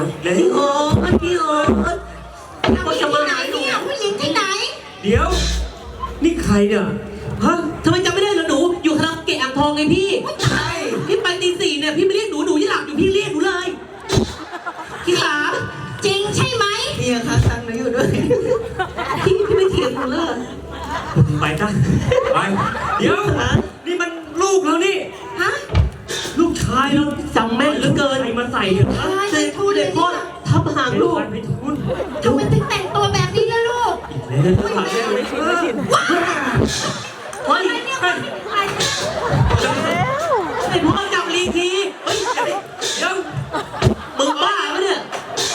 เลยพี่โอ๊ตพี่โอ๊ตผู้หญิงที่ไหนเนี่ยผู้หญิงที่ไหนเดี๋ยวนี่ใครเนี่ยฮะทำไมจำไม่ได้เหรอหนูอยู่คาราโอเกะอ่างทองไงพี่ใช่พี่ไปตี 4เนี่ยพี่ไม่เรียกหนูยังหลับอยู่พี่เรียกหนูเลยพี่ขาจริงใช่ไหมพี่คะสั่งหนูอยู่ด้วยพี่ไม่เถียงหนูเลยไปจ้ะไปเดี๋ยวนี่มันลูกเรานี่ฮะลูกชายเราจำแม่นเหลือเกินใครมาใส่เนี่ยเจพูดเลยพ่อทับหางลูกไปทุนทำไมถึงแต่งตัวแบบนี้ล่ะลูกเฮ้ยไอ้พ่อจับลีทีเฮ้ยเดี๋ยวมึงบ้าปะเนี่ย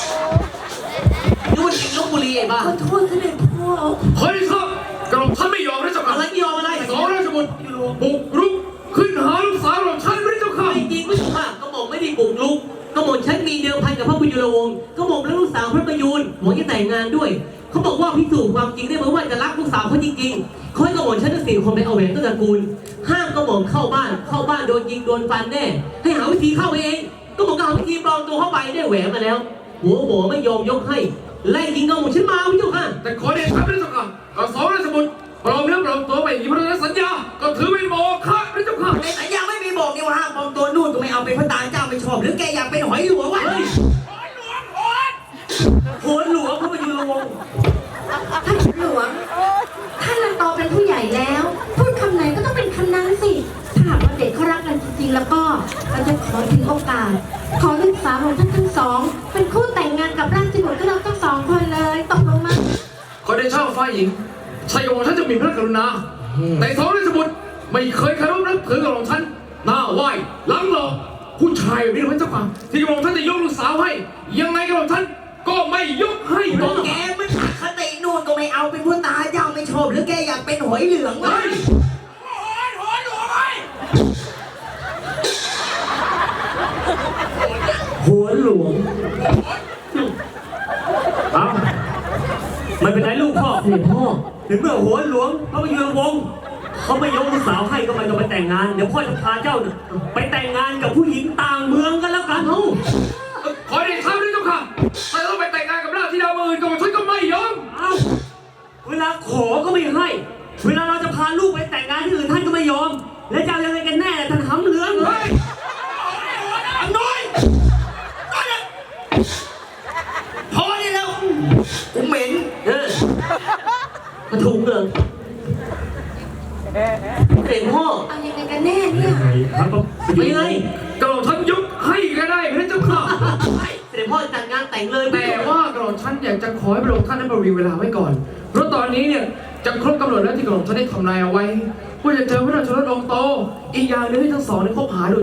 นี่มันจริงลบบุรีไอ้บ้าขอโทษท่านพ่อเฮ้ยครับกระหม่อมท่านไม่ยอมนะเจ้าค่ะอะไรไม่ยอมอะไรสองราชบุตรบุกรุกขึ้นหาลูกสาวของฉันไม่ได้เจ้าค่ะไม่จริงไม่ถูกค่ะกระหม่อมไม่ได้บุกรุกกระหม่อมฉันมีเดิมพันกับพระพยุรวงศ์กระหม่อมและลูกสาวพระประยูนหวังจะแต่งงานด้วยเขาบอกว่าพิสูจน์ความจริงได้ไหมว่าจะรักลูกสาวเขาจริงๆเขาให้กระหม่อมฉันทั้ง4 คนไปเอาแหวนต้นตระกูลห้ามกระหม่อมเข้าบ้านโดนยิงโดนฟันแน่ให้หาวิธีเข้าเองกระหม่อมก็หาวิธีปลอมตัวเข้าไปได้แหวนมาแล้วหัวหมอไม่ยอมยกให้ไล่ยิงกระหม่อมฉันมาพี่เจ้าค่ะแต่ขอเดชะพระเจ้าค่ะก็สองราชบุตรปลอมเนื้อปลอมตัวไปอย่างนี้พระราชสัญญาก็ถือเป็นโมฆะพระเจ้าค่ะในสัญญาไม่มีบอกนี่ว่าห้ามปลอมตัวนู่นก็ไม่เอาเป็นพระตาเจ้าไม่ชอบหรือแกอยากเป็นหอยหลวงวะโหนหลวงพระประยุรวงศ์ท่านหลวงท่านโตเป็นผู้ใหญ่แล้วพูดคำไหนก็ต้องเป็นคำนั้นสิถ้าหากว่าเด็กเขารักกันจริงๆแล้วก็เราจะขอถึงโอกาสขอลูกสาวของท่านทั้งสองเป็นคู่แต่งงานกับราชบุตรก็เราทั้ง2 คนเลยตกลงมาขอเดชะฝ่ายหญิงชายกระหม่อมท่านจะมีพระกรุณาแต่สองราชบุตรไม่เคยเคารพนับถือกระหม่อมท่านหน้าไหว้หลังหลอกผู้ชายแบบนี้พระเจ้าค่ะที่กระหม่อมท่านจะยกลูกสาวให้ยังไงกระหม่อมท่านก็ไม่ยกให้บอกแกไม่คตินู่นก็ไม่เอาเป็นพระตาเจ้าไม่ชอบหรือแกอยากเป็นหอยเหลืองวะหัวหลวงเอามันเป็นไรลูกพ่อเสด็จพ่อถึงเมื่อหัวหลวงพระประยุรวงศ์เขาไม่ยกลูกสาวให้ก็ไม่ต้องไปแต่งงานเดี๋ยวพ่อจะพาเจ้าไปแต่งงานกับผู้หญิงต่างเมืองกันแล้วกันขอเดชะพระเจ้าค่ะถ้าต้องไปแต่งงานกับราชธิดาเมืองอื่นกระหม่อมท่านก็ไม่ยอมเวลาขอก็ไม่ให้เวลาเราจะพาลูกไปแต่งงานที่อื่นท่านก็ไม่ยอมแล้วจะยังไงกันแน่ท่านหำเหลืองอันน้อยพอได้แล้วกูเหม็นมาถูกเลยเด็กพ่อเอายังไงกันแน่เนี่ยไม่ไงกระหม่อมท่านยกให้ก็ได้พระเจ้าค่ะเด็กพ่อจัดงานแต่งเลยแต่ว่ากระหม่อมท่านอยากจะขอให้พระองค์ท่านนั้นบริเวลาไว้ก่อนเพราะตอนนี้เนี่ยจะครบกำหนดแล้วที่กระหม่อมท่านได้ทำนายเอาไว้ว่าจะเจอพระราชรถองค์โตอีกอย่างนึงให้ทั้งสองได้คบหาดู